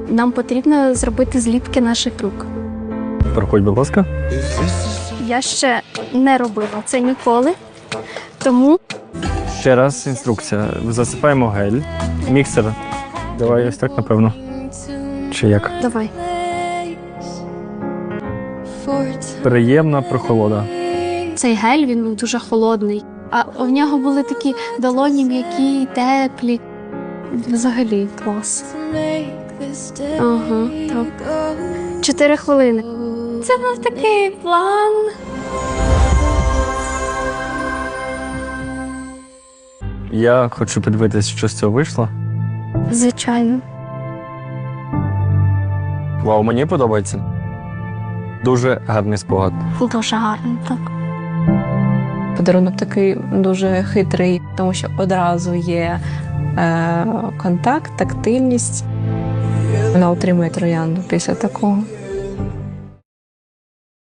Нам потрібно зробити зліпки наших рук. Проходь, будь ласка. Я ще не робила це ніколи, тому Ще раз інструкція. Засипаємо гель. Міксер. Давай ось так, напевно. Чи як? давай. Приємна прохолода. Цей гель, він був дуже холодний, а в нього були такі долоні м'які, теплі. Взагалі клас. Ага, так. 4 хвилини. Це був такий план. Я хочу подивитись, що з цього вийшло. Звичайно. Вау, мені подобається. Дуже гарний спогад. Дуже гарно, так. Подарунок такий дуже хитрий, тому що одразу є контакт, тактильність. Вона отримує троянду після такого.